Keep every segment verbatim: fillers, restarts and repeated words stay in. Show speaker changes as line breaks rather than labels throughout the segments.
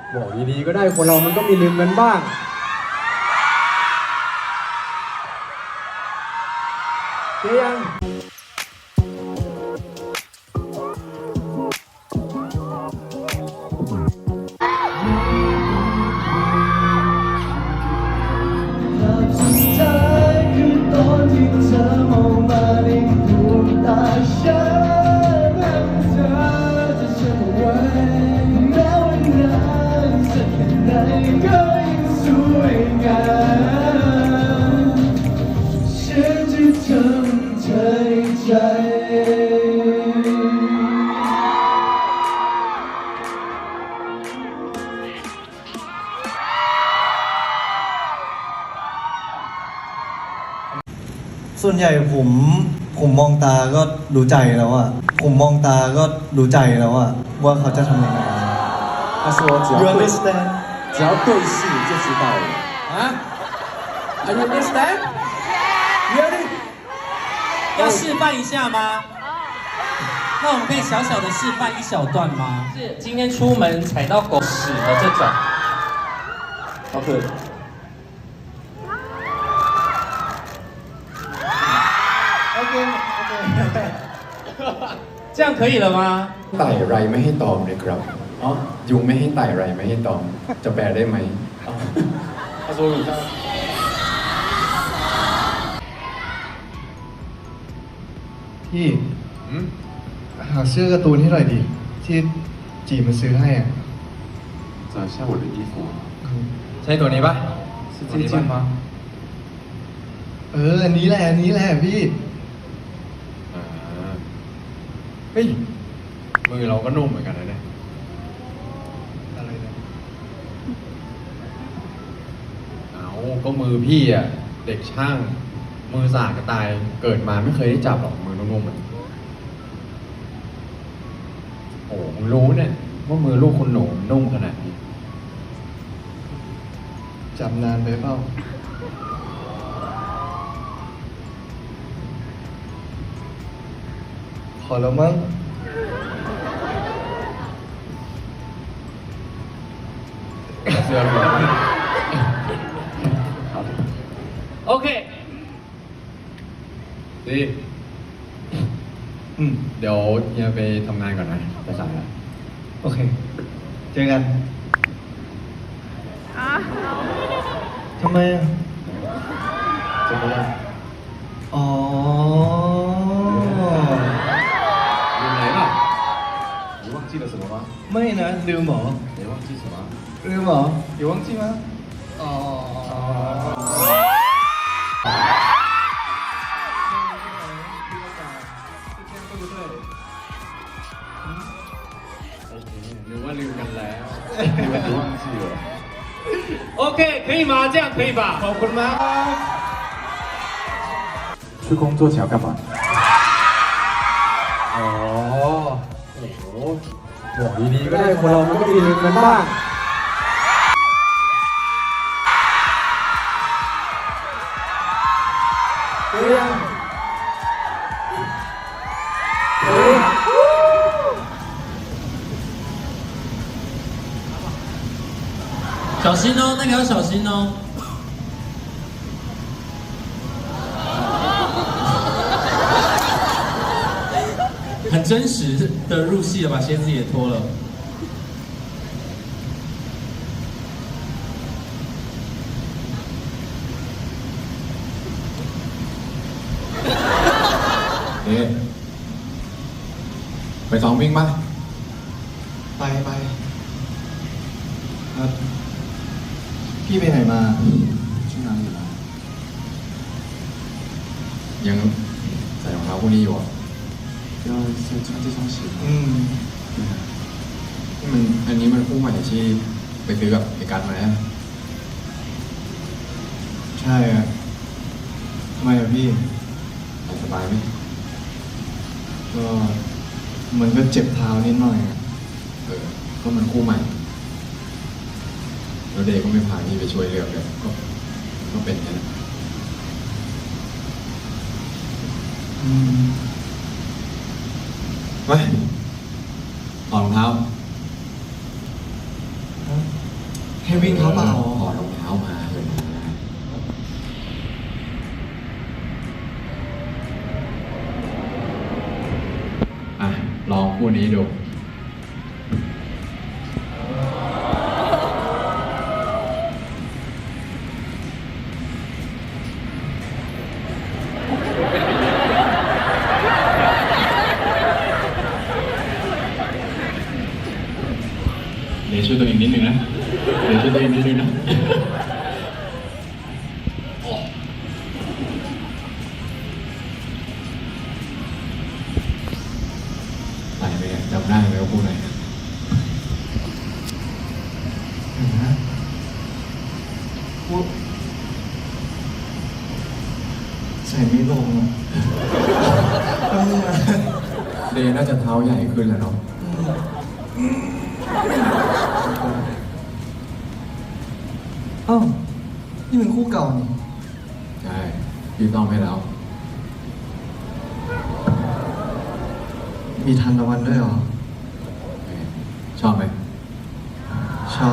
บอกดีๆก็ได้คนเรามันก็มีลืมกันบ้างเจ๊ยัง
ส่วนใหญ่ผมผมมองตาก็รู้ใจแล้วอะผมมองตาก็รู้ใจแล้วอะว่าเขาจะทำยังไง
他说只
You
要对
understand
只要对视就知道了啊 Are you understand Really
要示范一下吗？那我们可以小小的示范一小段吗？是今天出门踩到狗屎的这种。
OK
这样可以了吗？
ไต่ไรไม่ให้ตอมเลยครับอ๋อยุงไม่ให้ไต่ไรไม่ให้ตอม จะแปลได้ไหม
他说你看
พี่หาเสื้อการ์ตูนให้หน่อยดิที่จีมันซื้อให้อ่ะ
找一下我的衣服
ใช่ตัวนี้ปะ
是这件吗
เอออันนี้แหละอันนี้แหละพี่
เฮ้ยมือเราก็นุ่มเหมือนกันนะเนี่ย
อะไรนะ
เอาก็มือพี่อ่ะเด็กช่างมือสากกระตายเกิดมาไม่เคยได้จับหรอกมือนุ่มๆเหมือนโอ้มึงรู้เนี่ยว่ามือลูกคุณหนูนุ่มขนาดนี้
จับนานไปเปล่าพอแล้วมั้ง
เสื้อหรอ
OK，
ดี
อืม
เดี๋ยวเฮียไปทำงานก่อนนะจะสายแล้ว
โอเคเจอกันทำไมอ่ะ
จะไปแล้ว
อ๋อ
อยู่ไหนล่ะ你忘记了什么吗
ไม่นะลืมเหรอ
你忘记什么
ลืมเหรอ有忘记吗อ๋อ
หรือว่าลืมกันแล้วหรือว่า忘记了
OK，可以吗？这样可以吧？
ขอบคุณมาก
去工作前要干嘛
อ๋อโอ้โหบอกดีๆก็ได้คนเรามันก็มีลืมกันบ้างเจ๊ยังเฮ้ย
小心哦，那个要小心哦。很真实的入戏了，把鞋子也脱了。
นี่ไปซ้อมวิ่งป่ะ
ไปไปครับพี่ไปไหนมา
ช่วงนั้นอยู่นะยังใส่รองเท้าพวกนี้อยู่อ่ะก็ใส่穿这双鞋
อืม
นี่มันอันนี้มันคู่ใหม่ที่ไปซื้อกับไอ้กัสมาฮะ
ใช่อะทำไมอะพี่
ใส่สบายไหม
ก็มันก็เจ็บเท้านิดหน่อยอะ
เออก็มันคู่ใหม่แล้วเดย์ก็ไม่พาพี่ไปช่วยเลือกเลยก็ก็เป็นแค่นั้น
อืม
ไปถอดรองเท้า
ฮะให้วิ่งเท้าเปล่า
ถอดรองเท้ามาเลยอ่ะลองคู่นี้ดู เดี๋ยวช่วยตัวเองนิดนึงนะ เดี๋ยวช่วยตัวเองนิดนึงนะ ไปไหมเนี่ยจำได้ไหมว่าพูดอะไร
พูดใส่ไม่ลงอะทำไม
เดย์น่าจะเท้าใหญ่ขึ้นแล้วเนาะ
อ้าวนี่เป็นคู่เก่านี่
ใช่ พี่ต้องให้แล้ว
มีทันตะวันด้วยเหรอ
ชอบไหม
ชอบ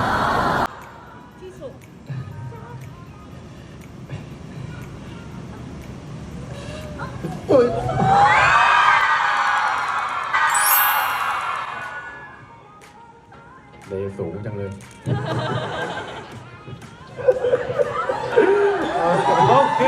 เลสูงจังเลย
OK，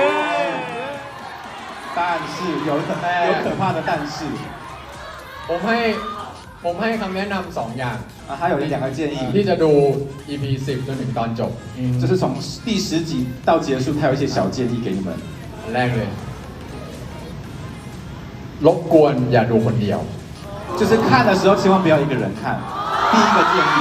但是有可有可怕的但是
ผมให้ผมให้คำแนะนำสองอย่าง
啊，还有一两个建议，
ที่จะดู อี พี สิบจนถึงตอนจบ
就是从第十集到结束，他有一些小建议给你们。
อันแรกเลย รบกวนอย่าดูคนเดียว
就是看的时候千万不要一个人看。第一个建议，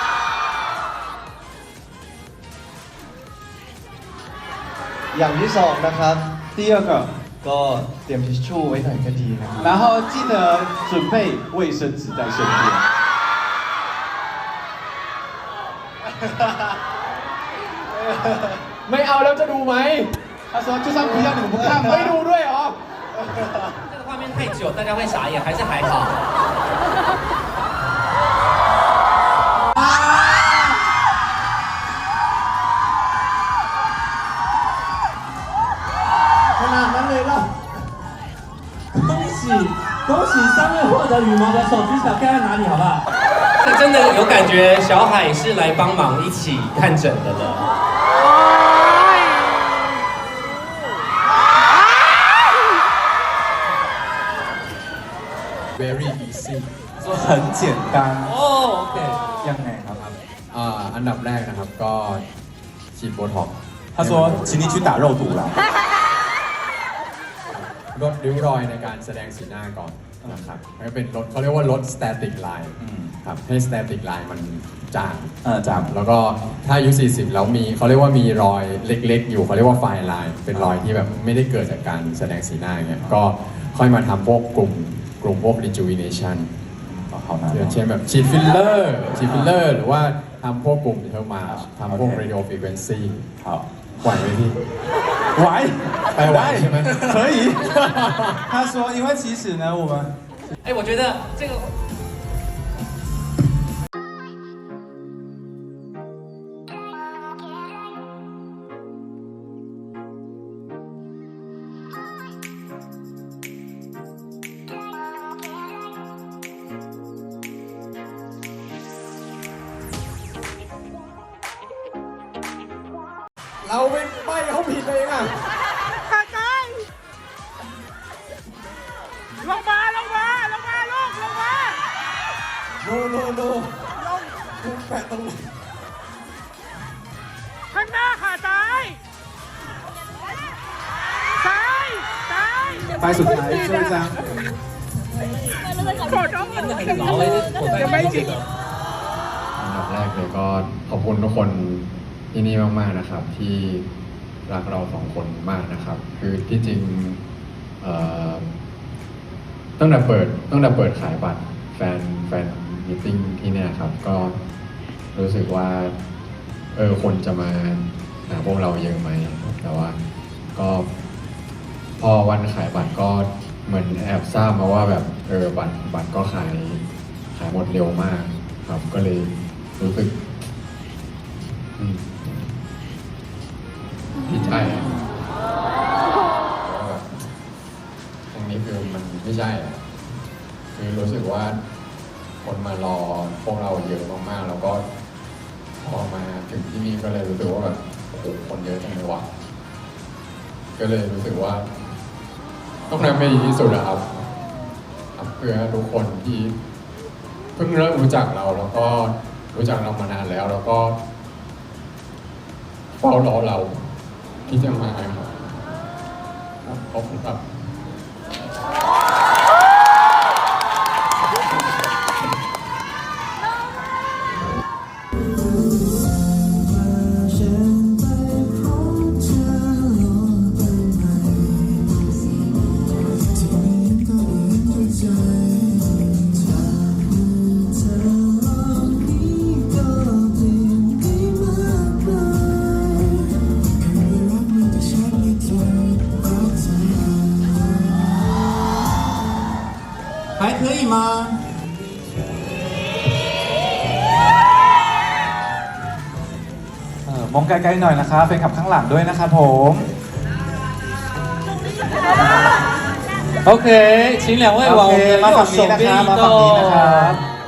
อย่างที่สองนะครับ
第二个，
ก็เตรียมทิชชู่ไว้หน่อยก็ดีนะครับ
然后记得准备卫生纸在身边。
ไม่เอาแล้วจะดูไหม
他说就算不要你们不看
ไม่ดู
吗？
ด้วยเหรอ
这个画面太久，大家会傻眼，还是还好？
ขนาดนั้นเลยเหรอ
恭喜恭喜三位获得羽毛的手举起来，盖在哪里好不好？是真的有感觉，小海是来帮忙一起看诊的了。
very easy
说很简单。
哦，OK。
ยังไงครับ
อ่าอันดับแรกนะครับก็ฉีดโบท็อกซ์
他说请你去打肉毒啦。
ลดริ้วรอยในการแสดงสีหน้าก่อนนะครับแล้วก็เป็นลดเขาเรียกว่าลด static line
อืม
ครับให้ static line มันจาง
เออจาง
แล้วก็ถ้าอายุ สี่สิบ แล้วมีเขาเรียกว่ามีรอยเล็กๆ อยู่เขาเรียกว่าไฟไลน์เป็นรอยที่แบบไม่ได้เกิดจากการแสดงสีหน้าอย่างเงี้ยก็ค่อยมาทำพวกกลุ่มกลุ่มพวก rejuvenation
好难
อย่างเช่นแบบฉีดฟิลเลอร์ฉีดฟิลเลอร์หรือว่าทำพวกกลุ่มเทอร์มาทำพวก radio frequency
好，
ไหวไหมพี่
喂，
ไปไหวใช่ไหม
可以。他说，因为其实呢，我们
哎，我觉得这个。
เราไปไปเขาผิดเองอ่ะ
ลงมา ลงมา ลงมาลูกลงมา
โนโนโนคุณแปะตรงนี้
ข้างหน้าค่ะซ้าย ซ้าย ซ้าย
白薯台这一张，
กดเอาเงิน
真的很牢哎，这口袋里面这个。
อันดับแรกเลยก็ขอบคุณทุกคนที่นี่มากๆนะครับ ที่รักเราสองคนมากนะครับ คือที่จริงเอ่อตั้งแต่เปิดตั้งแต่เปิดขายบัตรแฟนแฟนมิทติ้งที่เนี่ยครับ ก็รู้สึกว่าเออคนจะมาหาพวกเราเยอะไหมแต่ว่าก็พอวันขายบัตรก็เหมือนแอบทราบมาว่าแบบเออบัตรบัตรก็ขายขายหมดเร็วมากครับ ก็เลยรู้สึกพวกเราเยอะมากๆแล้วก็พอมาถึงที่นี่ก็เลยรู้สึกว่าแบบโอ้โหคนเยอะจังเลยวะก็เลยรู้สึกว่าต้องทำให้ดีที่สุดนะครับครับเพื่อทุกคนที่เพิ่งเริ่มรู้จักเราแล้วก็รู้จักเรามานานแล้ว แล้วก็เฝ้ารอเราที่จะมาครับขอบคุณครับ
还可以吗？เออมองไกลๆหน่อยนะครับแฟนคลับข้างหลังด้วยนะครับผม
OK，请两位往我
โอ
们
เค
的
มา
右
ฝั่ง
手
นี้นะ
边
ครับ
移
มาฝั่งนี้นะครับ
动。